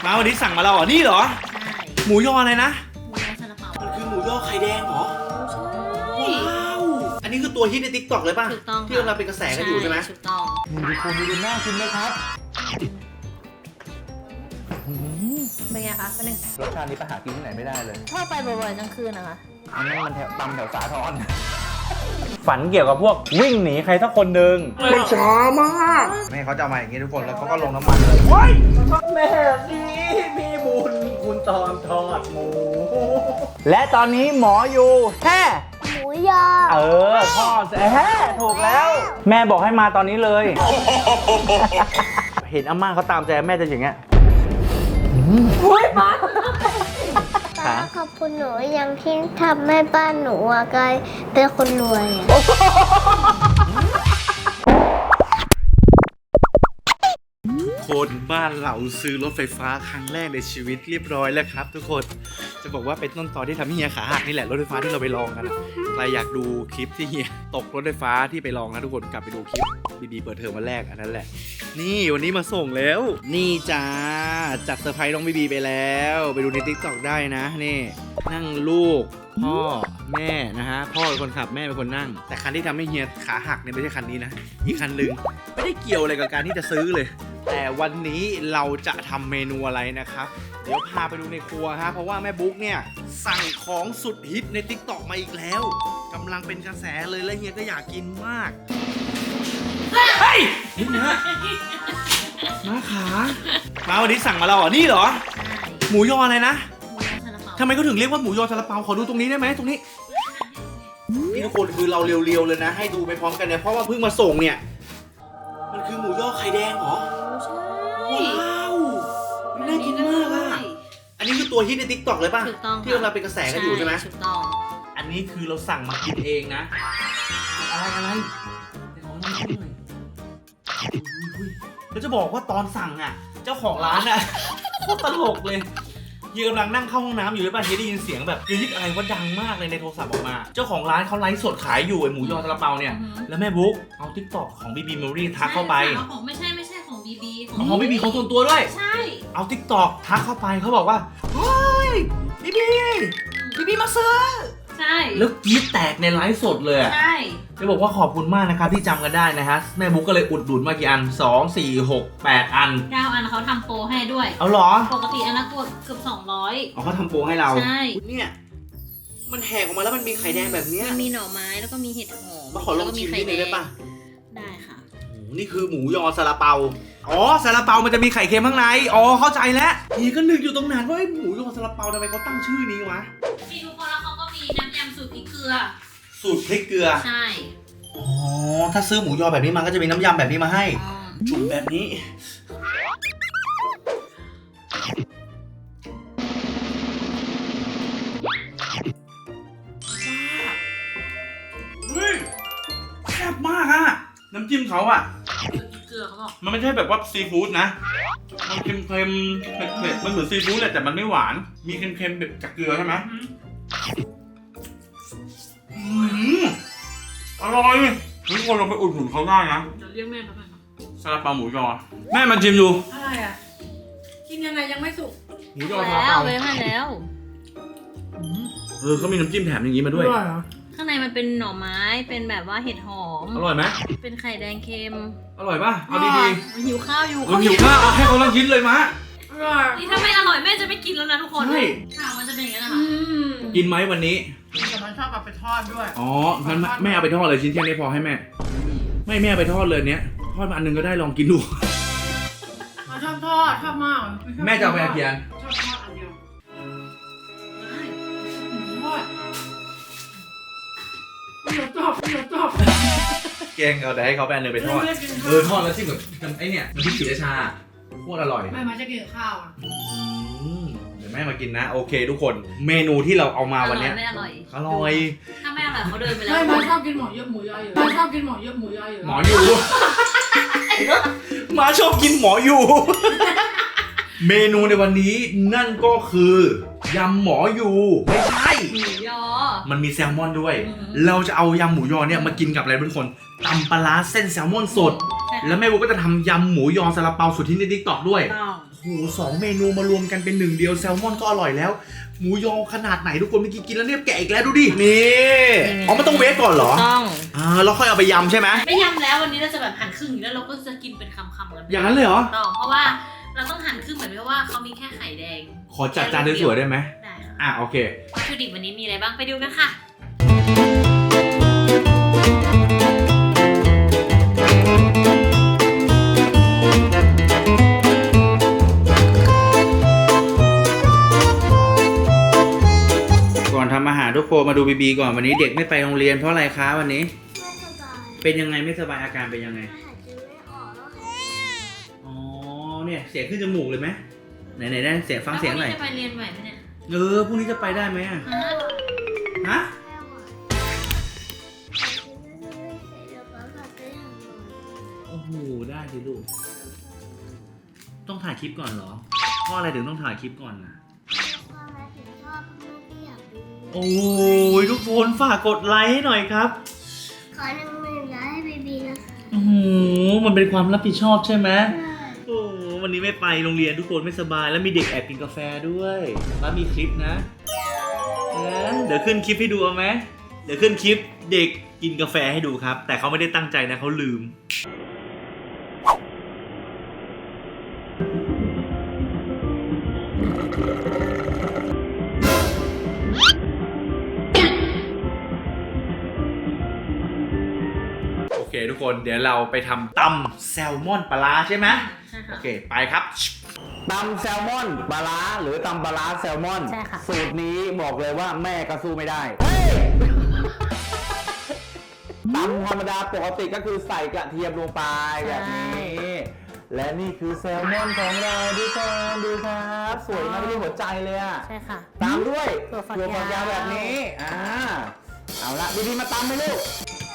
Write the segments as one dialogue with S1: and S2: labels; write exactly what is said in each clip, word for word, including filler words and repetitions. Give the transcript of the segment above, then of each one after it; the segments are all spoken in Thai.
S1: มาวันนี้สั่งมาเราเหรอนี่เหรอ
S2: ใช่
S1: หมูยออะไรนะ
S2: หมูยอซาลาเปา
S1: มันคือหมูยอไข่แดงเหรอ
S2: ใช่
S1: ว้าวอันนี้คือตัวฮิตใน ติ๊กต็อก เลยป่ะ
S2: ถูกต้อง
S1: ที่กำลังเป็นกระแสกันอยู่ใช่ไหม
S2: ถูกต้อง
S3: มีคนดูน่ากินไหมครับ
S2: เป็นไงคะเป็นไง
S3: รสชาตินี้ไปหากินที่ไหนไม่ได้เลย
S2: ชอบไปบ่อยๆกลางคืนนะคะ
S3: อันนั้นมันแถวตำแถวสาทร
S1: ฝันเกี่ยวกับพวกวิ่งหนีใครสักคนหนึ่ง
S3: มันช้ามาก
S1: แม่เขาจะเอามาอย่างนี้ทุกคนแล้วเขาก็ลงน้ำมันเลยว้ายแม่ดีพี่บุญคุณตอนทอดหมูและตอนนี้หมออยู่แค่
S4: หมูยอ
S1: เออทอดแฮ่ถูกแล้วแม่บอกให้มาตอนนี้เลย เห็นอาม่าเขาตามใจแม่จะอย่างเงี้ย
S2: อุ้ยป้า
S4: ป้าขอบคุณหนูยังที่ทำให้บ้านหนูอะกลายเป็นคนรวยอะ
S1: คนบ้านเราซื้อรถไฟฟ้าครั้งแรกในชีวิตเรียบร้อยแล้วครับทุกคนจะบอกว่าเป็นต้นตอที่ทำให้เฮียขาหักนี่แหละรถไฟฟ้าที่เราไปลองกันใครอยากดูคลิปที่เฮียตกรถไฟฟ้าที่ไปลองนะทุกคนกลับไปดูคลิปบีบีเปิดเทอมวันแรกอันนั้นแหละนี่วันนี้มาส่งแล้วนี่จ้าจัดเซอร์ไพรส์น้องบีบีไปแล้วไปดูใน ติ๊กต็อก ได้นะนี่นั่งลูกพ่อแม่นะฮะพ่อเป็นคนขับแม่เป็นคนนั่งแต่คันที่ทำให้เฮียขาหักเนี่ยไม่ใช่คันนี้นะอีกคันหนึ่งไม่ได้เกี่ยวอะไรกับการที่จะซื้อเลยแต่วันนี้เราจะทำเมนูอะไรนะครับเดี๋ยวพาไปดูในครัวฮะเพราะว่าแม่บุ๊กเนี่ยสั่งของสุดฮิตใน ติ๊กต็อก มาอีกแล้วกำลังเป็นกระแสเลยและเฮียก็อยากกินมากเฮ้ยนี่นะมาขามาวันนี้สั่งมาเราเหรอนี่เหรอหมูยออะไรนะทำไมเขาถึงเรียกว่าหมูยอซาลาเปาขอดูตรงนี้ได้ไหมตรงนี้นี่ทุกคนคือเราเรียวๆเลยนะให้ดูไปพร้อมกันเนี่ยเพราะว่าเพิ่งมาส่งเนี่ยมันคือหมูยอไข่แดงเหรอ
S2: ใช่
S1: ว้าวน่ากินมากอ่ะอันนี้คือตัวฮิตใน ติ๊กต็อก เลยป่ะ
S2: ถูกต้อง
S1: ที่กำลังเป็นกระแสกันอยู่ใช่ไหม
S2: ถูกต้อง
S1: อันนี้คือเราสั่งมากินเองนะอะไรอะไรของน้ำจิ้มหน่อยแล้วจะบอกว่าตอนสั่งอ่ะเจ้าของร้านอ่ะโคตรตลกเลยเฮียกำลังนั่งเข้าห้องน้ำอยู่เลยป่ะเฮียได้ยินเสียงแบบเฮียยิกอะไรว่าดังมากเลยในโทรศัพท์ออกมาเจ้าของร้านเขาไลฟ์สดขายอยู่ไอหมูยอซาลาเปาเนี่ยแล้วแม่บุ๊กเอา ติ๊กต็อก ของบีบีเมมโมรี่ทักเข้าไป
S2: ของไม่ใช่ไม่ใช่ของบีบี
S1: ของบีบีของส่วนตัวด้วย
S2: ใช่
S1: เอา ติ๊กต็อก ทักเข้าไปเขาบอกว่าเฮ้ยบีบีบีบีมาซื้อ
S2: ใช่
S1: แล้วกรี๊ดแตกในไลฟ์สดเลย
S2: ใช่
S1: จะบอกว่าขอบคุณมากนะครับที่จำกันได้นะฮะแม่บุ๊กก็เลยอุดหนุนมากี่อันสอง สี่ หก แปดอัน
S2: เก้าอันเขาทำโปรให้ด้วย
S1: เอาหรอ
S2: ปกติอันละตัวเกือบสองร้อย
S1: อ๋อเขาทำโปรให้เรา
S2: ใช่
S1: เนี่ยมันแหกออกมาแล้วมันมีไข่แดงแบบนี้
S2: มันมีหน่อไม้แล้วก็มีเห็ดหอม
S1: มาขอลองชิมนิดนึงได้ป่ะ
S2: ได้ค่ะ
S1: โอ้นี่คือหมูยอซาลาเปาอ๋อซาลาเปามันจะมีไข่เค็มข้างในอ๋อเข้าใจแล้วนี่ก็นึกอยู่ตรงนั้นว่าหมูยอซาลาเปาทำไมเขาตั้งชื่อนี้วะ
S2: มีทุกคนแล้วเขาก็มีน้ำยำสูตรพริกเกลือ
S1: สูตรพริกเกลือ
S2: ใช่
S1: อ๋อถ้าซื้อหมูยอแบบนี้มันก็จะมีน้ำยำแบบนี้มาให้จุ่มแบบนี้เฮ้ยแซ่บมากอะน้ำจิ้มเขาอะ
S2: เกลือเขาบอก
S1: มันไม่ใช่แบบว่าซีฟู้ดนะมันเค็มๆเผ็ดๆมันเหมือนซีฟู้ดแหละแต่มันไม่หวานมีเค็มๆแบบจากเกลือใช่ไหมอร่อยทุกคนเราไปอุดหนุนเขาได้นะ
S2: จะเรียกแม่เขาไป
S1: ซาลาเปาหมูยอแม่มันชิมดู
S2: อะไรอ่ะกินยังไงยังไม่สุก
S1: หมูยอซาลาเปา
S2: แล้วให้แล้ว
S1: เออเขามีน้ำจิ้มแถมอย่างนี้มาด้วย
S2: ข้างในมันเป็นหน่อไม้เป็นแบบว่าเห็ดหอม
S1: อร่อยไหม
S2: เป็นไข่แดงเค็ม
S1: อร่อยป่ะเอาดี
S2: ๆหิวข้าวอยู่
S1: หิวข้าวเอาให้เขาลองกินเลยมะ
S2: นี่ถ้าไม่อร่อยแม่จะไม่กินแล้วนะทุกคนใช่ค่ะมันจะเป็นอย่างนี้นะคะ
S1: กินไหมวันนี้
S5: แต่มันชอบเอาไปทอดด้วย
S1: อ๋องั้นแม่เอาไปทอดเลยชิ้นแค่นี้พอให้แม่ไม่แม่ไปทอดเลยเนี้ยทอดมาอันนึงก็ได้ลองกินดู
S5: เราชอบทอดชอบมาก
S1: แม่จะเอาไปกี่อัน
S5: ชอบทอดอันเดียวทอดเดี๋ยวจบเดี๋ยวจบ
S1: แกงเอาแต่ให้เขาแปนเลยไปทอดเออทอดแล้วจิ้มกับไอเนี่ยมันพริกศรีราชาโคตรอร่อย
S5: แม่มาจะกินข้าวอ่ะ
S1: เดี๋ยวแม่มากินนะโอเคทุกคนเมนูที่เราเอามาวันนี้
S2: ไม่อร่อย
S1: อร่อย
S2: ถ้าไม่อร่อยเขาเดินไปแล้ว
S5: ไม่มาชอบกินหมูเยอะหมูย่อยอยู่มาชอบกินหมูเยอะหมูย่อยอยู่
S1: หมออยู่มาชอบกินหมออยู่เมนูในวันนี้นั่นก็คือยยำหมออยู่ไม่ใช่
S2: หมูยอ
S1: มันมีแซลมอนด้วย
S2: อืม
S1: เราจะเอายำหมูยอเนี่ยมากินกับอะไรทุกคนตำปลาร้าเส้นแซลมอนสด
S2: ใช่ค่ะ
S1: แล้วแม่บุ๊กก็จะทำยำหมูยอซาลาเปาสุดที่ในทิกตอกด้วย
S2: ต้อง
S1: โอ้โหสองเมนูมารวมกันเป็นหนึ่งเดียวแซลมอนก็อร่อยแล้ว หมูยอขนาดไหนทุกคนเมื่อกี้กินแล้วเนี่ยแกะอีกแล้วดูดิ นี่อ๋อมันต้องเวฟก่อนเหรอ
S2: ต้อง
S1: อ่าแล้วค่อยเอาไปยำใช่ไหม
S2: ไม่ยำแล้ววันนี้เราจะแบบหั่นครึ่งแล้วเราก็จะกินเป็นคำๆกัน
S1: อย่างนั้นเลยเหรอ
S2: ต้องเพราะว่าเราต้องหั่นครึ่งเหมือนเพราะว่าเขามีแค่ไข่แดง
S1: ขอจัดจานสวยๆได้ไหม
S2: ได้ค่ะ
S1: อ่ะโอเค
S2: วัตถุดิบวันนี้มีอะไรบ้างไปดูกันค่ะ
S1: ก่อนทำอาหารทุกคนมาดูบีบีก่อนวันนี้เด็กไม่ไปโรงเรียนเพราะอะไรคะวันนี้
S4: ไม่สบาย
S1: เป็นยังไงไม่สบายอาการเป็นยังไง
S4: หายใจไม่ออกแล้วค่ะ
S1: อ๋อเนี่ยเสียงขึ้นจมูกเลยไหมไหนไหนได้เสียงฟังเสียงหน่อย
S2: แล้ววันนี้จะไปเรียนไหวไหมเนี่ย
S1: เออพรุ่งนี้จะไปได้ไหมอะ
S2: ฮะ
S1: ฮะ
S4: แค่หวานเดี๋ยวป๊าพาไปหาหมอ
S1: โอ้โหได้สิลูกต้องถ่ายคลิปก่อนเหรอเพราะอะไรถึงต้องถ่ายคลิปก่อนนะ
S4: ความรักถึงชอบลูกที่อยากดู
S1: โอ้ยทุกคนฝากกดไลค์ให้หน่อยครับ
S4: ขอหนึ่งหมื่นไลค์ให้บีบีนะคะ
S1: โอ้โหมันเป็นความรับผิดชอบใช่ไหม
S4: ใช่
S1: โอ้วันนี้ไม่ไปโรงเรียนทุกคนไม่สบายแล้วมีเด็กแอบกินกาแฟด้วยแล้วมีคลิปนะเออเดี๋ยวขึ้นคลิปให้ดูเอาไหมเดี๋ยวขึ้นคลิปเด็กกินกาแฟให้ดูครับ แต่เขาไม่ได้ตั้งใจนะเขาลืมโอเคทุกคนเดี๋ยวเราไปทำตำแซลมอนปลาร้าใช่ไหม
S2: ใช่
S1: โอ
S2: ค่ะ
S1: เคไปครับ
S3: ตำแซลมอนปลาร้าหรือตำปลาร้าแซลมอน
S2: ใช่ค่ะ
S3: สูตรนี้บอกเลยว่าแม่ก็สู้ไม่ได้เฮ้ยตำธรรมดาปกติก็คือใส่กระเทียมลงไปแบบนี้ และนี่คือแซลมอนของเราทุกคนดูครับสวยมากเป็นรูปหัวใจเลยอะ
S2: ใช่ค่ะ
S3: ตามด้วย
S2: ถั่วฝัก
S3: ถั่วฝักยาวย
S2: าว
S3: แบบนี้อ่าเอาละดีๆมาตำไหมลูก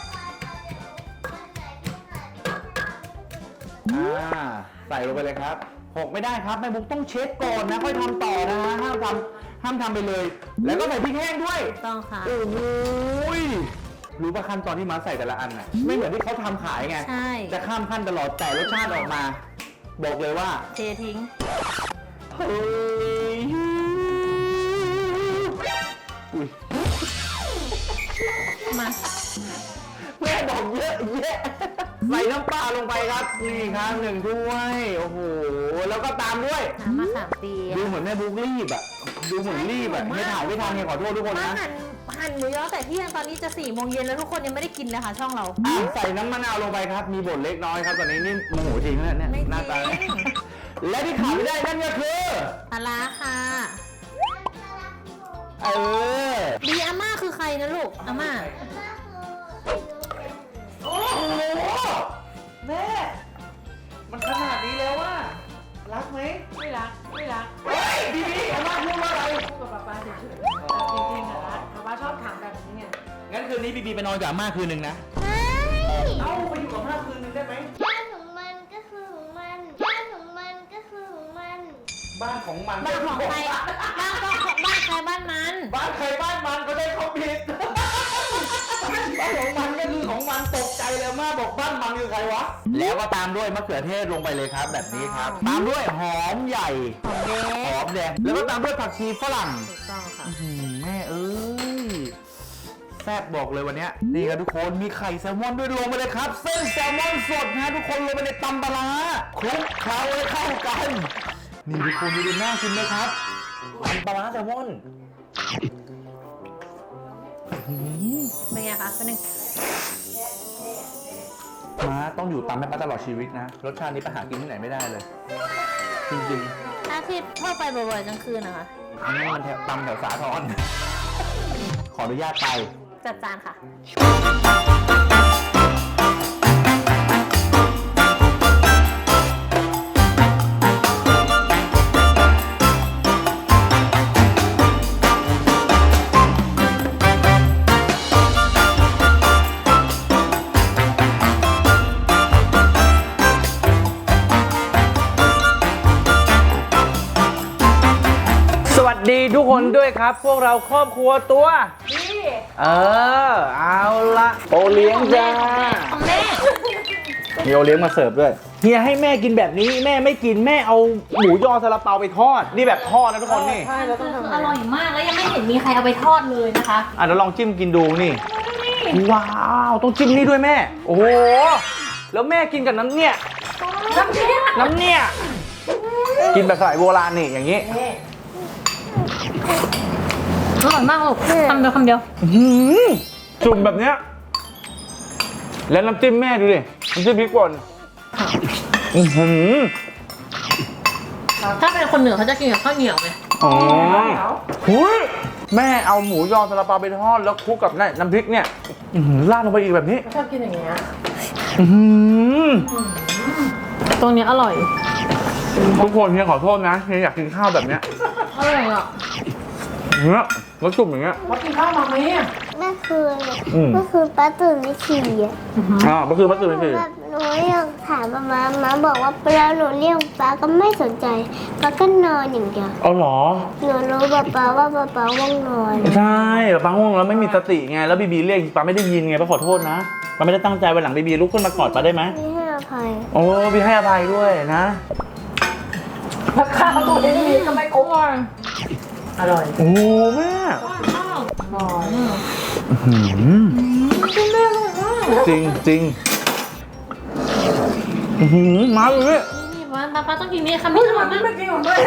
S3: อ่าใส่ลงไปเลยครับหกไม่ได้ครับแม่บุ๊กต้องเช็ดก่อนนะค่อยทำต่อนะฮะห้ามทำห้ามทำไปเลย แล้วก็ใส่พริกแห้งด้วย
S2: ต้องค่ะ
S3: โอ้โหยรู้ป่ะขั้นตอนที่มาใส่แต่ละอันน่ะไม่เหมือนที่เขาทำขายไง
S2: ใช่
S3: จะข้ามขั้นตลอดแต่รสชาติออกมา บอกเลยว่า
S2: เททิ้ง
S3: เฮ้ยอุ้ย
S2: มา
S3: แม่บอกเยอะแยะใส่น้ำปลาลงไปครับนี่ครับหนึ่งถ้วยโอ้โหแล้วก็ตามด้วย
S2: น้ำมะขามเปียก
S3: ดูเหมือนแม่บุ๊กรีบอะดูเหมือนรีบอะไม่ถ่ายไม่ทันเนี่ยขอโทษทุกคน
S6: มา
S3: นะ
S6: หั่นหั่นหมูยอแต่เที่ยงตอนนี้จะสี่โมงเย็นแล้วทุกคนยังไม่ได้กินเลยค่ะช่องเรา
S3: อ่ะใส่น้ำมะนาวลงไปครับ มีบทเล็กน้อยครับตอนนี้นี่โมโหจริงนะเนี่ย
S6: ไม่จริง
S3: หน้าตาและที่ขาดไม่ได้นั่นก็คือ
S6: ปลาร้าค่ะ
S3: เออ
S6: ดีอาม่าคือใครนะลูกอาม่า
S3: โอ้โหแม่มันขนาดนี้แล้วว่ารักไหม
S5: ไม่รักไม่รัก
S3: เฮ้ยดีดีอาม่าพูดว่าอะไร
S5: พูดกับป๊าป๊าเฉยๆแต่จริงๆอะรักป๊าป๊าชอบถามแบบนี้ไง
S3: งั้นคืนนี้บีบีไปนอนกับอาม่าคืนหนึ่งนะ
S4: ใช่
S3: เอ้าไปอยู่กับอาม่าคืนหนึ่งได้ไหม
S4: บ้านของมันก็คือของมันบ้านของมันก็คือของมัน
S3: บ้านของมัน
S6: บ้านของใครบ้านก็ของบ้านใครบ้านมัน
S3: บ้านใครบ้านมันก็ได้เขาผิดบ้านของมันก็คือของมันตกใจเลยอาม่าบอกบ้านมันคือใครวะแล้วก็ตามด้วยมะเขือเทศลงไปเลยครับ แบบนี้ครับ ตามด้วยหอมใหญ่
S6: ของเด็
S3: หอก มแดงแล้วก็ตามด้วยผักชีฝรั่ง
S6: ถูกต้องค่ะ
S3: อื้อหือแม่เอ้ยแซ่บบอกเลยวันเนี้ยนี่ครับทุกคนมีไข่แซลมอนด้วยลงไปเลยครับ เส้นแซลมอนสดนะทุกคนลงไปในตำปลาร้าคลุกเคล้าให้เข้ากันนี่ทุกคนดูน่ากินไหมครับตำปลาร้าแซลมอน
S6: เป็นไงคะเป็นหนึ่ง
S3: ม้าต้องอยู่ตำให้ป้าตลอดชีวิตนะรสชาตินี้ไปหากินที่ไหนไม่ได้เลย จริง
S6: ถ้าที่เข้าไปบ่อยๆกลางคืนนะคะ
S3: ๆอันนี้มันแถวตำแถวสาทรขออนุญาตไป
S6: จัดจานค่ะ
S3: สวัสวัสดีทุกคนด้วยครับ พวกเราครอบครัวตัวนี่เออเอาละโอเลี้ยงจ้า
S2: ของแม่
S3: มีโอเลี้ยงมาเสิร์ฟด้วยเฮียให้แม่กินแบบนี้แม่ไม่กินแม่เอาหมูยอซาลาเปาไปทอดนี่แบบทอดนะทุกคนนี่
S6: ใช่เราต้องทำ
S2: อร่อยมากแล้วยังไม่เห็นมีใครเอาไปทอดเลยนะคะ
S3: อ่ะเดี๋ยวลองจิ้มกินดูนี่ว้าวต้องจิ้มนี่ด้วยแม่โอ้โหแล้วแม่กินกับน้ำเนี่ย
S2: น้ำเนี่ย
S3: น้ำเนี่ยกินแบบสมัยโบราณนี่อย่างนี้
S2: อร่อยมากลูกคำเดียวคำเดียว
S3: อื้อหือจุ่มแบบเนี้ยแล้วน้ำจิ้มแม่ดูดิน้ำจิ้มพริกป่นอื้อหือ
S2: ถ้าเป็นคนเหนือเขาจะกินกับข้าวเหนียวไง
S3: อ๋อหุยแม่เอาหมูยอซาลาเปาไปทอดแล้วคลุกกับนี่น้ำพริกเนี่ยอื้อหือราดลงไปอีกแบบนี้
S6: ชอบกินอย่างเงี้ย
S3: อื้อหือ
S2: ตรงนี้อร่อย
S3: ทุกคนเฮียขอโทษนะเฮียอยากกินข้าวแบบเนี้ย
S2: อร่อยอ่ะ
S3: เนี้ยแล้วจุ่มอย่างเงี้ย
S6: ว่ากินข้าวมาไหมเนี่ย
S4: เมื่อคืน
S3: อืม
S4: เมื่อคืนป้าตื่นไม่ขี่อ่ะ
S3: อ่าก็คือมัตสึ
S4: ห
S3: ไม่
S4: นู
S3: คือ
S4: แบบหนูยังถามมามามาบอกว่าเวลาหนูเรียกป้าก็ไม่สนใจป้าก็นอนอย่างเดียว
S3: เอาเหรอ
S4: หนูรู้ป้าป้าว่าป้าป้าว่างนอน
S3: ใช่ป้าง่วงแล้วไม่มีสติไงแล้วบีบีเรียกป้าไม่ได้ยินไงป้าขอโทษนะป้าไม่ได้ตั้งใจวันหลังบีบีลุกขึ้นมากอดป้าได้ไหม
S4: ไม่ให้อภัย
S3: โอ้บีให้อภัยด้วยนะ
S6: ราคาตัวนี้ก็ไม่คุ้มอร่อย
S3: โอ้แม่
S6: อร่อย
S3: อื้อหือจริงจริงอื้อหือมาเลย
S2: นี่วันตาป้าต้องกินนี่คำนี้อร่อยมาก
S6: ไม่กินของด้วย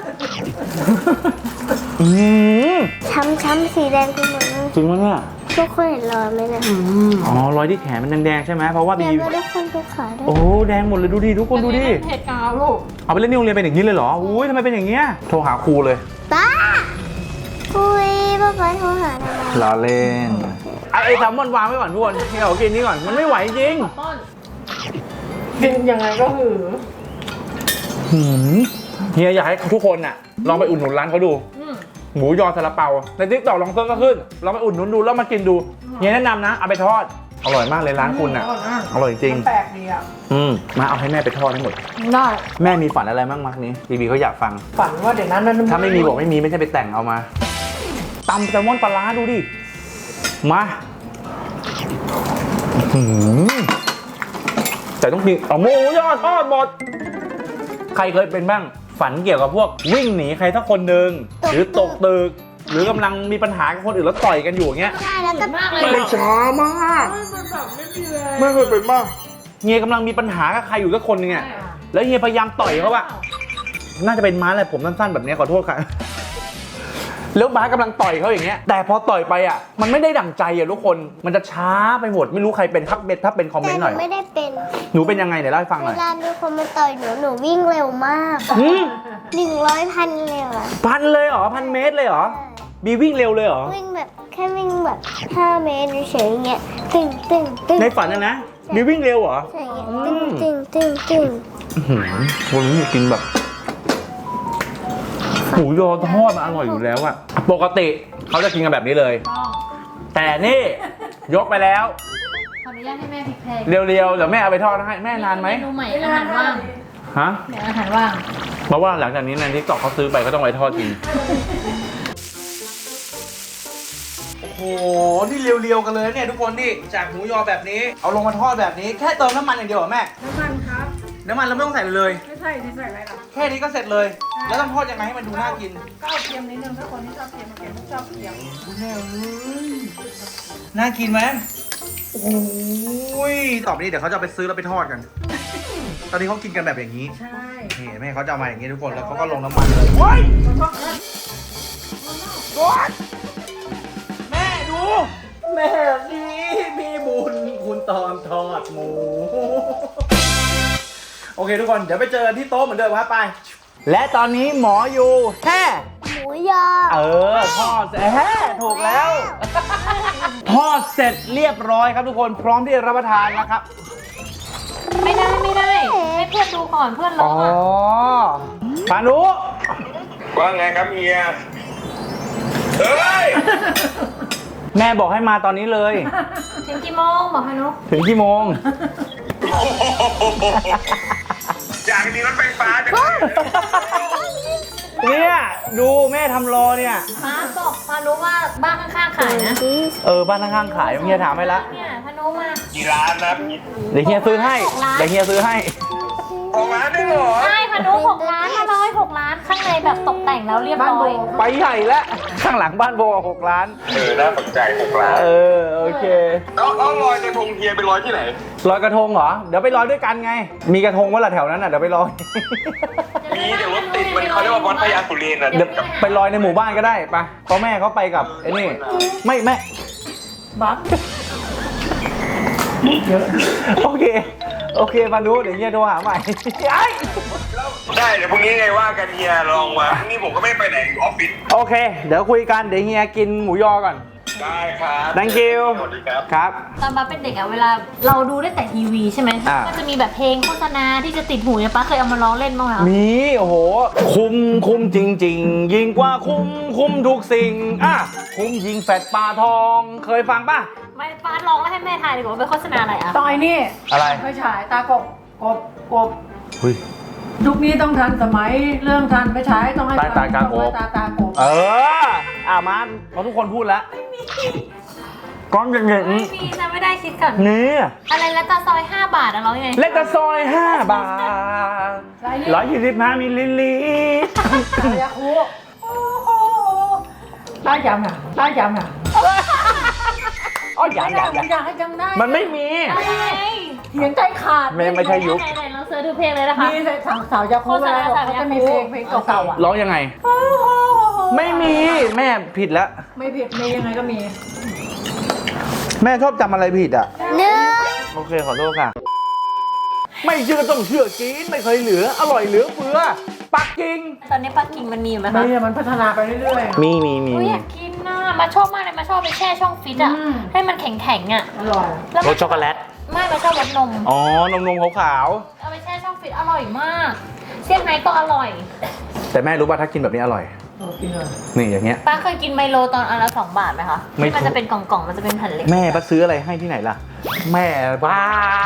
S3: อื้อหือ
S4: ช้ำช้ำสีแดงไปหมดเลย
S3: จริงมั้ยเนี่ย
S4: ทุกคนเห็นรอยไหมเนี่ย
S3: อ๋อรอยที่แขนมันแดงๆใช่ไหมเพราะว่า
S4: แด
S3: บี
S4: งก็ทุกคนทุกขาด้วย
S3: โอ้แดงหมดเลยดูดิทุกคนดูดิ
S2: เห็ดกาวลูก
S3: เอาไปเล่นที่โรงเรียนเป็นอย่างนี้เลยเหรออุ้ยทำไมเป็นอย่างเงี้ยโทรหาครูเลย
S4: ป้าอุ้ยป้าป้าโทรหาทำไม
S3: ล้อเล่นไอ้แซลมอนวางไว้ก่อนทุกคนเฮียขอกินนี้ก่อนมันไม่ไหวจริง
S2: ป้อน
S6: กินยังไงก็หือ
S3: หืมเฮียอยากให้ทุกคนน่ะลองไปอุดหนุนร้านเขาดู
S2: อืม
S3: หมูยอซาลาเปาในทิกตอกลองเซิร์ชก็ขึ้นลองไปอุดหนุนดูแล้วมากินดูเฮียแนะนำนะเอาไปทอดอร่อยมากเลยร้านคุณน่ะอร่อยจริง
S6: แปลกดีอ่ะ
S3: อืมมาเอาให้แม่ไปทอดให้หมด
S6: ได้
S3: แม่มีฝันอะไรบ้างมักนี้บีบีเขาอยากฟัง
S6: ฝันว่าเดี๋ยวนั้นนั้น
S3: ถ้าไม่มีบอกไม่มีไม่ใช่ไปแต่งเอามาตำแซลมอนปลาร้าดูดิมาอื้อหือแต่ต้องกินเอาหมูยอทอดหมดใครเคยเป็นบ้างฝันเกี่ยวกับพวกวิ่งหนีใครสักคนหนึ่งหรือตกตึกหรือกำลังมีปัญหากับคนอื่นแล้วต่อยกันอยู่อย่างเงี้ย
S4: ใช่แล้วก็
S2: มากเลย
S3: มันช้ามากไม่เคยเป็นมากเฮียกำลังมีปัญหากับใครอยู่สักคนนึงอ่ะแล้วเฮียพยายามต่อยเขาอะน่าจะเป็นม้าแหละผมสั้นๆแบบนี้ขอโทษค่ะแล้วม้ากำลังต่อยเขาอย่างเงี้ยแต่พอต่อยไปอ่ะมันไม่ได้ดั่งใจอ่ะทุกคนมันจะช้าไปหมดไม่รู้ใครเป็นทักเบ็ดถ้าเป็นคอมเม
S4: แต่
S3: นต์
S4: ห
S3: ห
S4: นู
S3: น่อย
S4: ไม่ได้เป็น
S3: หนูเป็นยังไงเดี๋ยวเล่าให้ฟังห
S4: เว
S3: น่อย
S4: ลามีคนมาต่อยหนูหนูวิ่งเร็วมาก
S3: หืม
S4: หนึ่งร้อยพันเร็วอะ
S3: พันเลยเหรอพันเมตรเลยเหรอบีวิ่งเร็วเลยเหรอ
S4: วิ่งแบบแค่วิ่งแบบห้าเมตรเฉยๆอย่างเงี้ยตึงตึงตึง
S3: ในฝันนะนะบีวิ่งเร็วเหรอ
S4: ใช่อย่าง
S3: อื
S4: เงี้ย
S3: ม
S4: ตึงตึงตึง
S3: อื้อหือวันนี้กินแบบหมูยอทอดมันอร่อยอยู่แล้วอะปกติเขาจะกินกันแบบนี้เลย
S2: ต้อง
S3: แต่นี่ยกไปแล้ว
S2: ขออนุญาตให้แม่พริกแพง
S3: เร็วๆเดี๋ยวแม่เอาไปทอดให้แม่นานไหม
S2: เมนูใหม่อาหารว่าง
S3: ฮะ
S2: เดี๋ยวอาหารว่าง
S3: เพราะว่าหลังจากนี้ในทิกตอกเขาซื้อไปก็ต้องไว้ทอดกินโอ้โหนี่เรียวๆกันเลยเนี่ยทุกคนนี่จากหมูยอแบบนี้เอาลงมาทอดแบบนี้แค่เติมน้ำมันอย่างเดียวเหรอแม่
S6: น้ำมันครับ
S3: น้ำมันเราไม่ต้องใส่เลย
S6: ไม่ใส่ที่ใส่อะไรหรอก
S3: แค่นี้ก็เสร็จเลย แล้วต้องทอดยังไงให้มันดูน่ากิน
S6: ก็เอาเค็มนิดนึงถ้าคนที่ชอบเค็มเค็มไม่ชอบเค็ม
S3: คุณแม่เอ้ยน่ากินไหมโอ้ยต่อไปนี้เดี๋ยวเขาจะเอาไปซื้อแล้วไปทอดกัน ตอนนี้เขากินกันแบบอย่างนี้
S6: ใช่
S3: นี่แม่เขาจะเอามาอย่างนี้ทุกคน แล้วเขาก็ลงน้ำมันเลยโอ้ยโอ๊ยแม่ดู แม่นี่มีบุญคุณตอนทอดหมู โอเคทุกคน เดี๋ยวไปเจอกันที่โต๊ะเหมือนเดิมครับไป และตอนนี้หมออยู่แฮ่
S4: หมูยอ
S3: เออทอดเสร็จแฮ่ถูกแล้ว ทอดเสร็จเรียบร้อยครับทุกคนพร้อมที่จะรับประทานนะครับ
S2: ไม่ได้ไม่ได้ให้เพื่อนดูก่อนเพื่อนร้
S3: อ๋
S2: อ
S3: อง
S2: อ่ะ
S3: พานุ
S7: ว่าไงครับเฮีย เฮ้ย
S3: แม่บอกให้มาตอนนี้เลย
S2: ถึงกี่โมงบอกพานุ
S3: ถึงกี่โมง
S7: อยากมีรถไฟฟ้าจังเลย
S3: เนี่ย
S1: ดูแม่ทำรอเนี่ย
S2: ป้าบอกพานุว่าบ้านข้างๆขายนะ
S1: เออบ้านข้างๆขายเฮียถามให้ละ
S2: เนี่ยพานุมา
S7: กี่ร้านนะ
S1: เดี๋ยวเฮียซื้อให้เดี๋ยวเฮียซื้อให้
S7: ของร้านได้เหรอ
S2: ใช่พานุหกล้านมาร้อยหกล้านข้างในแบบตกแต่งแล้วเรียบร้อย
S1: ไปใหญ่แล้วข้างหลังบ้านโบหกล้าน
S7: เออ น่าสนใจหกร้าน
S1: เออโอเค
S7: เอาเอาลอยกระทงเฮียไปลอยที่ไหน
S1: ลอยกระทงเหรอเดี๋ยวไปลอยด้วยกันไง มีกระทงว่าละแถวนั้นน่ะเดี๋ยวไปลอย
S7: มีเดี๋ยวรถติดมันเขาเรียกว่าวัดพญาสุเรนอ่ะ
S1: เดี๋ยวไปลอยในหมู่บ้านก็ได้ปะเพราะแม่เขาไปกับไอ้นี่ไม่แม่
S6: บัก
S1: โอเคโอเคมาดูเดี๋ยวเฮียโทรหาใหม่ไอ้
S7: ได้เดี๋ยวพรุ่งนี้ไงว่ากันเฮียลองมาพรุ่งนี้ผมก็ไม่ไปไหนอยู่ออฟฟิศ
S1: โอเค เดี๋ยวคุยกันเดี๋ยวเฮียกินหมูยอก่อน
S7: ได้ครับ
S1: thank you
S7: สวัสดีครับ
S1: ครับ
S2: ตอนป้าเป็นเด็กอะเวลาเราดูได้แต่ทีวีใช่ไหม
S1: อ่า
S2: ก็จะมีแบบเพลงโฆษณาที่จะติดหูเนี่ยป้าเคยเอามาร้องเล่นบ้างไหมคะ
S1: มีโอ้โห คุมคุมจริง ๆ ยิ่งกว่าคุมคุมทุกสิ่งอ่ะคุมยิงแฟดปลาทอง เคยฟังป่ะ
S2: ไม่ป้าร้องแล้วให้แม่ทายดีกว่าว่าเป็นโฆษณาอะไรอะ
S6: ต้องไอ้นี่
S1: อะไร
S6: ไม่ฉายตากบกบกบ
S1: เฮ้ย
S6: ยุคนี้ต้องทันสมัยเรื่องทันไม่ฉายต้องให้
S1: ตาตากบ
S6: ตาตากบ
S1: เอออ่ะมันเพราะทุกคนพูดแล้วก้อนอย่าง
S2: ไม่
S1: นี้
S2: มีนะไม่ได้คิดก่อน
S1: นี่
S2: อะไรแล้วตาซอยห้าบาทอะร้องยังไง
S1: เล็กตะซอยห้าบาท
S6: ไรนี่
S1: ร้อยยี่สิบห้ามิลลิลิตร
S6: สายาคูโอ้โหได้ยำน่ะได้ยำน่ะ
S1: อ๋ออย่างอย่างอย่าง
S6: อยากให้จำได้
S1: มันไม่มี
S2: อะไร
S6: เถียงใจขาด
S1: ไม่ไม่ใช่ยุค
S2: ไหนๆลองเสิร์ชดูเพลงเลยนะคะ
S6: มีแต่สาวสาวยาคูเวลาเขาจะมีเพลงเพลงเก่าๆอ่ะ
S1: ร้องยังไง ไม่มีแม่ผิดแล้ว
S6: ไม่ผิดมียังไงก็มี
S1: แม่ชอบจำอะไรผิดอ่ะ
S4: หนึ่ง
S1: โอเคขอโทษค่ะ ไม่เชื่อต้องเชื่อกินไม่เคยเหลือ อร่อยเหลือเฟือ ปักกิ่ง
S2: ตอนนี้ปักกิ่งมันมีอยู่ไหมคะ
S6: ไม่มันพัฒนาไปเรื่อยๆ
S1: มีมีมี
S2: อุ๊ยอยากกินน่ะมาชอบมากเลยมาชอบไปแช่ช่องฟิตอะ
S6: อืม
S2: ให้มันแข็งๆอะ
S6: อร่อย
S2: แล้ว
S1: รสช็อกโกแลต
S2: ไม่มาชอบรสนม
S1: อ๋อนมนมขาว
S2: เอาไปแช่ช่องฟิตอร่อยมากเซี่ยงไฮ้ก็อร่อย
S1: ๆแต่แม่รู้ป่ะถ้ากินแบบนี้อร่อย
S6: โอ้กินเลย
S1: นี่อย่างเงี้ย
S2: ป้าเคยกินไมโลตอนอันละสองบาทไหมคะ
S1: ไม่
S2: ที่มันจะเป็นกล่องๆมันจะเป็นแผ่นเล็ก
S1: แม่ป้าซื้ออะไรให้ที่ไหนล่ะ แม่บ้า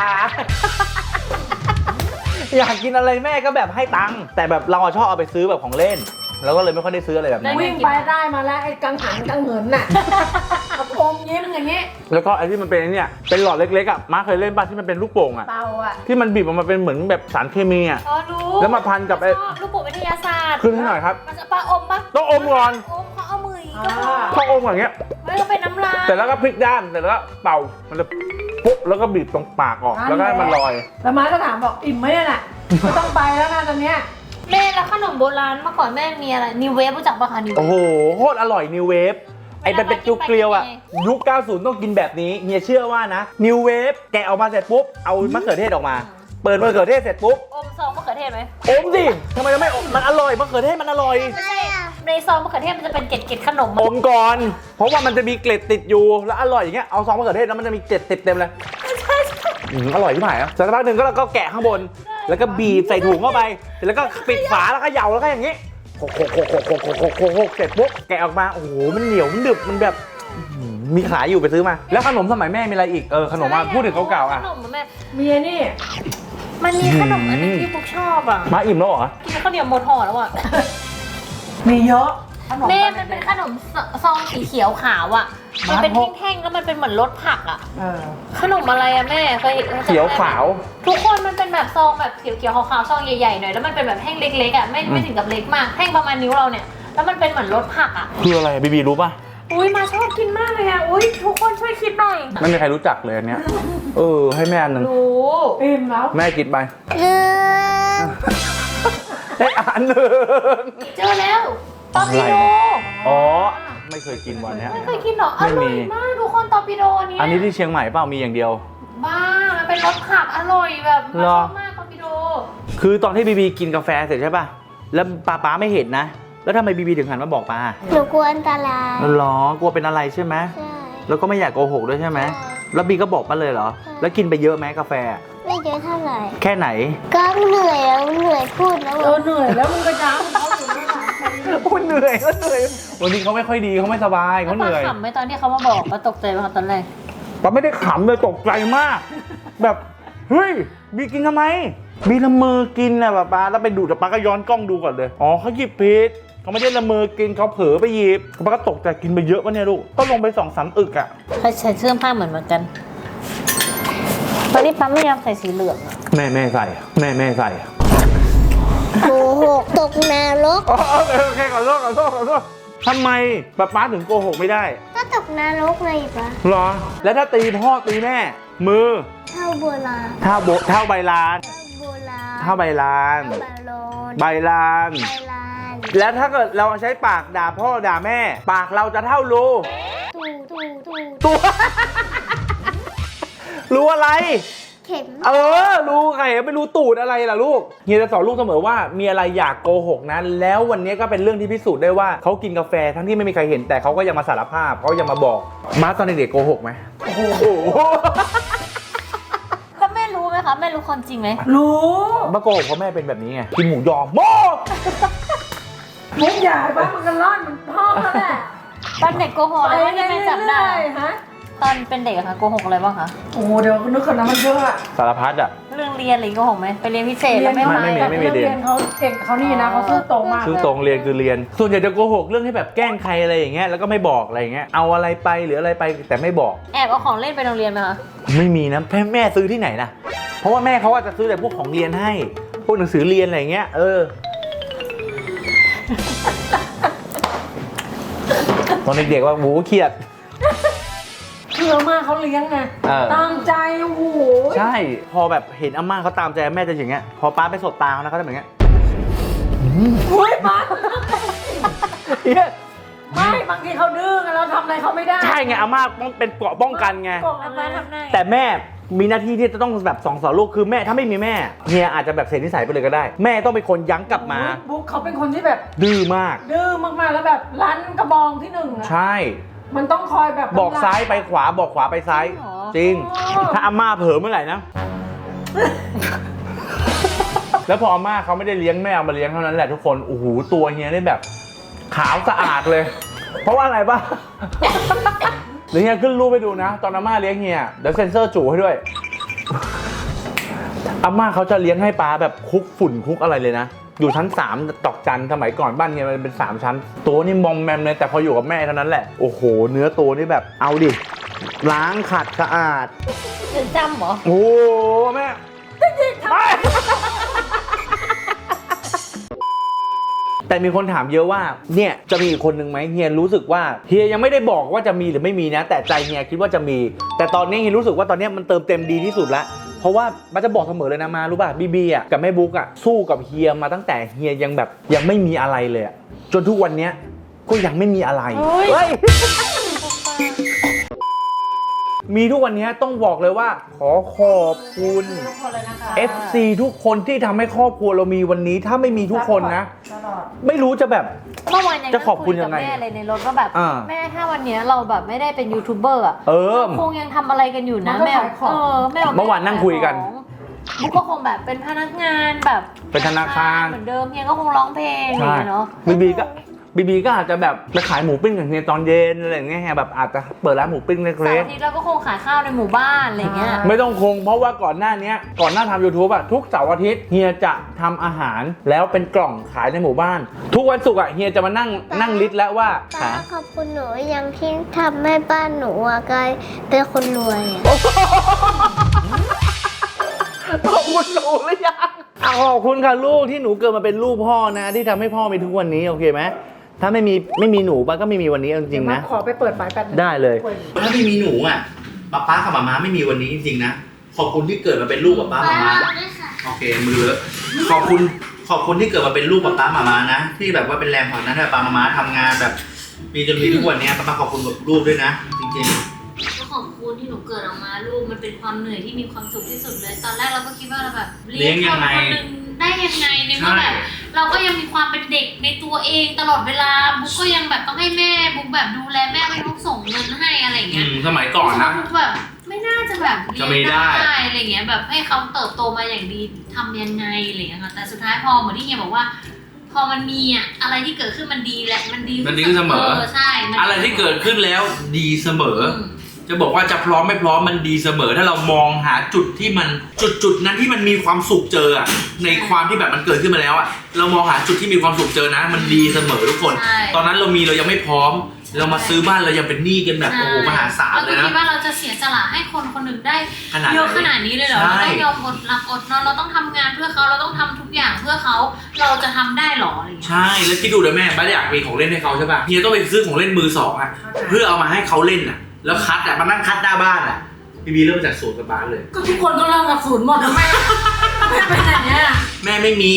S1: อยากกินอะไรแม่ก็แบบให้ตังค์แต่แบบเราอะชอบเอาไปซื้อแบบของเล่น แล้วก็เลยไม่ค่อยได้ซื้ออะไรแบบนั้น
S6: วิ่งไปได้มาแล้วไอ้กังหันกังเหินน่ะกระโปรงยิ้มอย่างเงี้ย
S1: แล้วก็ไอ้ที่มันเป็นไอ้เนี่ยเป็นหลอดเล็กๆอ่ะมาเคยเล่นป่ะที่มันเป็นลูกโป่งอ่ะ
S6: เตาอ่ะ
S1: ที่มันบีบออกมาเป็นเหมือนแบบสารเคมีอ่ะ
S2: อ๋อรู้
S1: แล้วมาพันกับไอ้
S2: ชอบลูกโป่งวิทยาศาสตร์
S1: ขึ้นให้หน่อยครับ
S2: มันจะปลาอมปะ
S1: ต้องอมก่อน
S2: อมเขาเอามืออย่างงี้ก็พอ
S1: ต้องอมก่อนอย่างเงี้ย
S2: ไม่ก็เป็นน้ำลาย
S1: เสร็จแล้วก็พลิกด้านเสร็จแล้วก็เป่ามันจะปุ๊บแล้วก็บีบตรงปากออกแล้วก็ให้มันลอย
S6: แล้วมาก็ถามบอกอิ่มไหมเนี่ยน่ะไม่ต้องไปแล้วนะตอนเนี้ย
S2: แม่แล้วขนมโบราณเมื่อก่อนแม่มีอะไรนิวเวฟรู้จักปะคะนิวเว
S1: โอ้
S2: ฟ
S1: โหโคตรอร่อยนิวเวฟไอ้เป็นเป็นจุกเกลียวอ่ะยุคเก้าสิบต้องกินแบบนี้เฮียเชื่อว่านะนิวเวฟแกะออกมาเสร็จปุ๊บเอามะเขือเทศออกมา เปิดมะเขือเทศเสร็จปุ๊บ
S2: อมซองมะเขือเทศไหม
S1: อมสิทำไมจะไม่อมมันอร่อยมะเขือเทศมันอร่อย
S2: ไม่ใช่ในซองมะเขือเทศมันจะเป็นเกล็ดๆขนม
S1: อมก่อน เพราะว่ามันจะมีเกล็ดติดอยู่แล้วอร่อยอย่างเงี้ยเอาซองมะเขือเทศแล้วมันจะมีเกล็ดติดเต็มเลยอืมอร่อยที่ไหนอ่ะสักพักหนึ่งก็เราก็แกะข้างบน แล้วก็บีบใส่ถุงเข้าไปเสร็จแล้วก็ปิดฝาแล้วก็เหยาแล้วก็อย่างงี้โคกโคกโคกโคกโคกโคกโคกโคกโคกเสร็จปุ๊บแกะออกมาโอ้โหมันเหนียวมันดึบมันแบบอื้อหือมีขายอยู่ไปซื้อมา แล้วขนมสมัยแม่มีอะไรอีกเออขนมมาพูดถึงเก่าๆอ่ะ
S2: ขนมแม่
S6: เมียนี่
S2: มันมีขนมอันนึงที่พวกชอบอ่ะ
S1: มาอิ่มแล้วเหรอ
S2: กินข้าวเหนียวหมดห่อแล้วอ่ะ
S6: มีเยอะขนม
S2: แม่มันเป็นขนมซองสีเขียวขาวอ่ะมันเป็นแท่งๆแล้วมันเป็นเหมือนรสผักอ่ะ
S6: เออ
S2: ขนมอะไรอะแม่เคยคจำได้ไหม
S1: เขียวขาว
S2: ทุกคนมันเป็นแบบซองแบบเขียวๆขาวๆซองใหญ่ๆหน่อยแล้วมันเป็นแบบแท่งเล็กๆอ่ะไม่ไม่ถึงกับเล็กมากแท่งประมาณนิ้วเราเนี่ยแล้วมันเป็นเหมือนรสผักอ่ะ
S1: คืออะไรบีบีรู้ป่ะ
S2: อุ้ยมาชอบกินมากเลยอ่ะอุ้ยทุกคนช่วยคิดหน่อย
S1: ไม่มีใครรู้จักเลยอันเนี้ยเออให้แม่อันหนึ่ง
S2: รู้
S6: อิ่มแล้ว
S1: แม่กินไป
S4: หนึ่ง
S1: ได้อันหนึ่ง
S2: เจอแล้วตอร์ปิโด
S1: อ๋อไม่เคยกินวันเนี้ย
S2: ไม่เคยกินเหรออ
S1: ไม่มี
S2: ร่อยมากทุกคนตอร์ปิโดเนี่ย
S1: อันนี้ที่เชียงใหม่เปล่ามีอย่างเดียว
S2: บ้ามันเป็นรสผักอร่อยแบบมา
S1: เหร
S2: ช
S1: อ
S2: อบมากตอร์ปิโด
S1: คือตอนที่บีบีกินกาแฟเสร็จใช่ป่ะ แล้วป้าป้าไม่เห็นนะ แล้วทำไมบีบีถึงหันมาบอกป้า
S4: หนูกลัวอันตราย
S1: หรอกลัวเป็นอะไรใช่ไหม
S4: ใช่
S1: แล้วก็ไม่อยากโกหกด้วยใช่ไหม
S4: ใช่
S1: แล้วบีก็บอกป้าเลยเหรอ แล้วกินไปเยอะไหมกาแฟ
S4: ไม่เยอะเท่าไหร่
S1: แค่ไหน
S4: ก็เหนื่อยแล้วเหนื่อยพูดแล้ว
S6: เออเหนื่อยแล้วมึงก็ย้ำเขาอยู่นั่นแหละ
S1: โอ้เหนื่อยก็เหนื่อย วันนี้เขาไม่ค่อยดีเขาไม่สบายเขาเหนื่อย
S2: ป้าขำไหมตอนที่เขามาบอกป้าตกใจไหมคะตอนแรก
S1: ป้าไม่ได้ขำเลยตกใจมาก แบบเฮ้ยบีกินทำไมบีละมือกินนะป้าป้าแล้วไปดูแต่ป้าก็ย้อนกล้องดูก่อนเลยอ๋อเขาหยิบผิด
S3: เขาไม่ได้ละเมอกินเขาเผลอไปหยิบป้าก็ตกใจกินไปเยอะวะเนี่ยลูกก็ลงไปสองสามอึกอ่ะ
S2: ใครใส่เสื้อผ้าเหมือนเหมือนกันตอนนี้ปั๊มไม่ยอมใส่สีเหลืองอะ
S3: แม่แม่ใส่แม่แม่ใส่
S4: โกหกตกนรก
S3: โอเคโอเคขอโทษขอโทษขอโทษทำไมป้าป้าถึงโกหกไม่ได้
S4: ก็ตกนรกไงปะ
S3: หรอ แล้วถ้าตีพ่อตีแม่ มือ
S4: เท่าโบราณ
S3: เท่าโบเท่าใบลาน
S4: เท่าโบราณ
S3: เท่าใบลาน
S4: เท่าบาโลน
S3: ใบลาน
S4: ใบลาน
S3: แล้วถ้าเกิดเราใช้ปากด่าพ่อด่าแม่ ปากเราจะเท่ารู
S4: ตูตูตู
S3: ตัว รู้อะไร
S4: เข็ม
S3: เออ รู้ไงไม่รู้ตูดอะไรล่ะลูกเฮียจะสอนลูกเสมอว่ามีอะไรอยากโกหกนะแล้ววันนี้ก็เป็นเรื่องที่พิสูจน์ได้ว่าเขากินกาแฟทั้งที่ไม่มีใครเห็นแต่เขาก็ยังมาสารภาพเขายังมาบอกมาตอนเด็กๆโกหกไหมโอ้โห
S2: แล้วแม่รู้ไหมคะแม่รู้ความจริงไหม
S5: รู้
S3: มาโกหกเพราะแม่เป็นแบบนี้ไงกินหมูยอโม
S5: มุกใหญ่บ้านมันกันร่อนมันพ่อเขาแหละ
S2: ตอนเด็กโกหกอะไรบ้างที่แม่จำได้
S5: ฮะ
S2: ตอนเป็นเด็กอะคะโกหกอะไรบ้างคะ
S5: โอ้เดี๋ยวนึกคนนั้นมันเยอะอะ
S3: สารพัดอ่ะ
S2: เรื่องเรียนอะไรโกหกไหมไปเรียนพิเศษแล้วไม่
S3: ไม่
S2: มา
S3: ไม่มี
S2: แบบ
S3: ไม่มี
S5: เรียนเขาเก่งเขานี่นะเขาซื่อตรงมาก
S3: คือตรงเรียนคือเรียน ส่วนใหญ่จะโกหกเรื่องที่แบบแกล้งใครอะไรอย่างเงี้ยแล้วก็ไม่บอกอะไรอย่างเงี้ยเอาอะไรไปหรืออะไรไปแต่ไม่บอก
S2: แอบเอาของเล่นไปโรงเรียนไหมคะ
S3: ไม่มีนะแม่แม่ซื้อที่ไหนนะเพราะว่าแม่เขาอาจจะซื้อแต่พวกของเรียนให้ พวกหนังสือเรียนอะไรอย่างเงี้ยเออ ตอนเด็กๆว่าหมูเครียด
S5: คืออาม่าเขาเลี้ยงไง
S3: เออ
S5: ตั้งใจโอ้โห
S3: ใช่ พอแบบเห็นอาม่าเขาตามใจแม่จะอย่างเงี้ย พอป้าไปสบตาเขานะเขาจะแบบเงี้ย
S5: อุ้ยป้า
S3: เหี้ย
S5: ไม่บางทีเขาดื้อไงเราทำอะไรเขาไม่ได้
S3: ใช่ไงอาม่าต้องเป็นเกราะป้องกันไง
S5: กด
S2: อา
S5: มา
S2: ม่า
S5: ทำ
S2: ทำได้
S3: แต่แม่มีหน้าที่ที่จะต้องแบบสองสอนลูกคือแม่ถ้าไม่มีแม่เฮียอาจจะแบบเสียนิสัยไปเลยก็ได้ แม่ต้องเป็นคนยั้งกลับมา
S5: บุ๊กเขาเป็นคนที่แบบ
S3: ดื้อมาก
S5: ดื้อมากๆแล้วแบบรั้นกระบองที่หนึ่งอะ
S3: ใช่
S5: มันต้องคอยแบบ
S3: บอกซ้ายไปขวาบอกขวาไปซ้าย จริง ถ้าอาม่าเผลอเมื่อไหร่นะ แล้วพออาม่าเขาไม่ได้เลี้ยงแม่เอามาเลี้ยงเท่านั้นแหละทุกคนโอ้โหตัวเฮียได้แบบ ขาวสะอาดเลย เพราะว่าอะไรป่ะ เดี๋ยวเฮียขึ้นรูปไปดูนะ ตอนอาม่าเลี้ยงเฮียเดี๋ยวเซ็นเซอร์จู่ให้ด้วย อาม่าเขาจะเลี้ยงให้ปลาแบบคุกฝุ่นคุกอะไรเลยนะ อยู่ชั้นสามตอกจันสมัยก่อนบ้านเฮียมันเป็นสามชั้น ตัวนี่มอมแมมเลยแต่พออยู่กับแม่เท่านั้นแหละโอ้โหเนื้อตัวนี่แบบเอาดิล้างขัดสะอาด
S2: เรียนจำเหรอ
S3: โอ้แม่ไม่แต่มีคนถามเยอะว่าเนี่ยจะมีอีกคนหนึ่งไหมเฮียรู้สึกว่าเฮียยังไม่ได้บอกว่าจะมีหรือไม่มีนะ แต่ใจเฮียคิดว่าจะมี แต่ตอนนี้เฮียรู้สึกว่าตอนนี้มันเติมเต็มดีที่สุดแล้วเพราะว่ามันจะบอกเสมอเลยนะมารู้ป่ะบีบีอ่ะกับแม่บุ๊กอ่ะสู้กับเฮียมาตั้งแต่เฮียยังแบบยังไม่มีอะไรเลยอะจนทุกวันเนี้ยก็ยังไม่มีอะไรเฮ้ย มีทุกวันนี้ต้องบอกเลยว่าขอขอบคุณ
S5: ทุกคนเลยนะคะ
S3: เอฟ ซี ทุกคนที่ทำให้ครอบครัวเรามีวันนี้ถ้าไม่มีทุกคนนะ
S5: ตลอด
S3: ไม่รู้จะแบบ
S2: เมื่อวานยัง
S3: จะขอบคุณยังไง
S2: คุกับแม่เลยในรถว่าแบบ
S3: อ่า
S2: แม่ถ้าวันเนี้ยเราแบบไม่ได้เป็นยูทูบเบอร์อะ
S3: เออ
S2: คงยังทำอะไรกันอยู่นะ
S5: มันก็
S2: แม่
S5: ขายของ
S2: เออแม่บก
S3: เมื่อวานนั่งคุยกัน
S2: บุ๊กก็คงแบบเป็นพนักงานแบบ
S3: เป็นธนาคาร
S2: เหมือนเดิมเฮียก็คงร้องเพลงอย่าง
S3: ใช่
S2: เงี้ยเนาะ
S3: บีบีก็บีบีก็อาจจะแบบไปขายหมูปิ้งกับเฮียตอนเย็นอะไรอย่างเงี้ยแบบอาจจะเปิดร้านหมูปิ้ง
S2: เสา
S3: เล็
S2: ร์
S3: ก
S2: อาทิตย์เราก็คงขายข้าวในหมู่บ้านอะไรเงี้ย
S3: ๆไม่ต้องคงเพราะว่าก่อนหน้านี้ก่อนหน้าทำ YouTube อะทุกเสาร์อาทิตย์เฮียจะทำอาหารแล้วเป็นกล่องขายในหมู่บ้าน ทุกวันศุกร์อะเฮียจะมานั่งนั่งลิสต์แล้วว่า
S4: ป้า
S3: หา
S4: ขอบคุณหนูยังที่ทำให้บ้านหนูอะกลายเป็นคนรวยอะ
S3: ขอบคุณหนูหรือยังอ่ะขอบคุณค่ะลูกที่หนูเกิดมาเป็นลูกพ่อนะ ที่ทำให้พ่อมีทุกวันนี้โอเคไหมถ้าไม่มีไม่มีหนูป้าก็ไม่มีวันนี้จริงๆนะ
S5: ขอไปเปิดไฟแป๊บนึง
S3: ได้เลย
S1: ถ้าไม่มีหนูอ่ะป๊าป๊ากับหมาม้าไม่มีวันนี้จริงๆนะขอบคุณที่เกิดมาเป็นลูกป๊าป๊าหมาม้าโอเคมือเลอะขอบคุณขอบคุณที่เกิดมาเป็นลูกป๊าป๊าหมาม้านะที่แบบว่าเป็นแรงผลักดันให้ป๊าป๊าหมาม้าทำงานแบบมีจนมีทุกวันนี้ป๊าป๊าขอบคุณกับลูกด้วยนะจริงๆ
S2: ก็ขอบคุณที่หนูเกิดออกมาลูกมันเป็นความเหนื่อยที่มีความสุขที่สุดเลย ตอนแรกเราก็คิดว่าเราแบบ
S1: เลี้ยงยังไง
S2: คนหนึ่งได้ยังไงในเมื่อแบบเราก็ยังมีความเป็นเด็กในตัวเองตลอดเวลาบุ๊กก็ยังแบบต้องให้แม่บุ๊กแบบดูแลแม่ไม่ต้องส่งเงินให้อะไรอย่างเงี้ย
S1: อืมสมัยก่อนนะ
S2: บุ๊กแบบไม่น่าจะแบบ
S1: จะไม่ได้
S2: อะไรเงี้ยแบบให้เขาเติบโตมาอย่างดีทำยังไงอะไรเงี้ยค่ะแต่สุดท้ายพอเหมือนที่เฮียบอกว่า พอมันมีอะอะไรที่เกิดขึ้นมันดีแหละมันดี
S1: มันดีขึ้นเสมอ
S2: ใช่มัน
S1: อะไรที่เกิดขึ้นแล้วดีเสมอ
S2: อืม
S1: จะบอกว่าจะพร้อมไม่พร้อมมันดีเสมอ ถ้าเรามองหาจุดที่มันจุดจุดนั้นที่มันมีความสุขเจออะในความที่แบบมันเกิดขึ้นมาแล้วอะเรามองหาจุดที่มีความสุขเจอนะ มันดีเสมอทุกคน ตอนนั้นเรามีเรายังไม่พร้อม เรามาซื้อบ้านเรายังเป็นหนี้กันแบบโอ้โหมหาศาล
S2: เรา
S1: เล
S2: ก็
S1: ยนะ
S2: คิดว่าเราจะเสียสละให้คนคนหนึ่งได้
S1: ขนาด
S2: เยอะขนาดนี้เลยเหรอ
S1: ใช่
S2: เราต้องยอมอดหลับอดนอนเราต้องทำงานเพื่อเขาเราต้องทำทุกอย่างเพื่อเขาเราจะทำได้หรออะไรอย่างเงี้ย
S1: ใช่แล้วคิดดูเลยแม่บ้านอยากมีของเล่นให้เขาใช่ป่ะเฮียต้องไปซื้อของเล่นมือสองอะเพื่อเอามาให้เขาเล่นอะแล้วคัดอะมานั่งคัดหน้าบ้านอะพี่บีเริ่มจากศูนย์กับบ้านเลย
S5: ก็ทุกคนก็เริ่มจากศูนย์หมดทำไมแม่เป็นอย่างเงี้ย
S1: แม่ไม่มี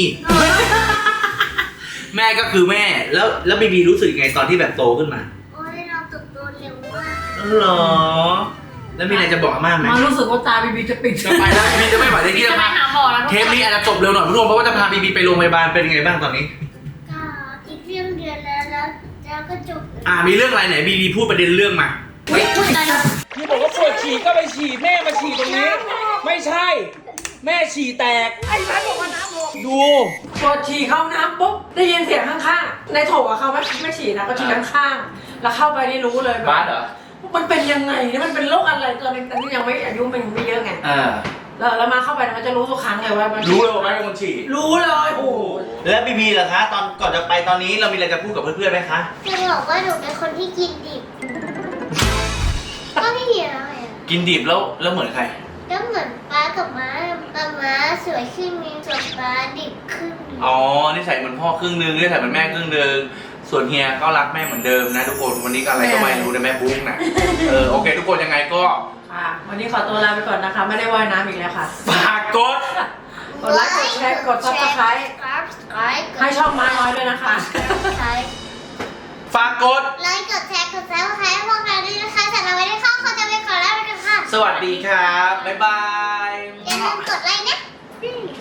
S1: แม่ก็คือแม่แล้วแล้วบีบีรู้สึกยังไงตอนที่แบบโตขึ้นมา
S4: โอ้ยเราเติบโตเร็วมาก
S1: เหรอแล้วมีอะไรจะบอกอาม่าไหม
S5: มารู้สึกว่าตาบีบีจะปิด
S1: จะไปแล้วบีบีจะไม่ไหวเลยที่
S2: จะ
S1: จะ
S2: ไป
S1: พา
S2: หาหมอแล้วทุก
S1: เทป
S2: คน
S1: นี้อาจจะจบเร็วหน่อยผู้ชมเพราะว่าจะพาบีบีไปโรงพยาบาลเป็นยังไงบ้างตอนนี้
S4: ก็อีกเรื่องเดือนแล้วแล้วแล้วก็จบ
S1: อ่ามีเรื่องอะไรไหนบีบีพูดประเด็นเรื่องมา
S2: อุ๊ยอุ๊ยตายแล้ว
S6: พี่บอกว่าปวดฉี่ก็ไปฉี่แม่มาฉี่ตรงนี้ ไม่ใช่ แม่ฉี่แตก
S5: ไอ้บ้านบอกว่าน้ำลง
S6: ดู
S5: ปวดฉี่เข้าน้ำปุ๊บได้ยินเสียงข้างๆในโถอะเขาไม่ไม่ฉี่นะก็ฉี่ข้างๆแล้วเข้าไปนี่รู้เลย
S1: บ้านเหรอ
S5: มันเป็นยังไงเนี่ยมันเป็นโรคอะไรตอนนี้ตอนนี้ยังไม่อายุมันไม่เยอะไง
S1: อ่า
S5: แล้วแล้วมาเข้าไปเนี่ยมันจะรู้ทุกครั้งเลยว่ามัน
S1: รู้เลยว่าแม่เป็นคนฉี่
S5: รู้เลยโอ้โห
S1: แล้วบีบีล่ะคะตอนก่อนจะไปตอนนี้เรามีอะไรจะพูดกับเพื่อนๆไหมคะ
S4: จะบอกว่าหนูเป็นคนที่กินดิบ ก็ไม่เหี่ยวเลยอะ
S1: กินดิบแล้วแล้วเหมือนใคร
S4: ก็เหมือนป้ากับม้าป้าม้าสวยขึ้นนึงส่วนป้าดิบขึ้นนึง
S1: อ๋อนิสัยเหมือนพ่อครึ่งนึงนิสัยเหมือนแม่ครึ่งนึงส่วนเฮียก็รักแม่เหมือนเดิมนะทุกคนวันนี้ก็อะไรก็ไม่รู้นะแม่บุ้งนะเออโอเค ทุกคนยังไงก็
S5: ค่ะวันนี้ขอตัวลาไปก่อนนะคะ ไม่ได้ว่ายน้ำอีกแล้วค่ะ
S1: ฝากกด
S5: กดไลค์กดแชร์กด Subscribe ให้ช่องม้าน้อยด้วยนะคะ
S1: ฝากกด
S4: ไลค์กดแชร์กดซับสไครต์ให้พวกเราด้วยนะคะสำหรับวันนี้ข้าวเขาจะไปขอลาไปกันค่ะ
S1: สวัสดีครับบ๊ายบาย
S4: อย่าลืมกดไลค์นะ
S1: ค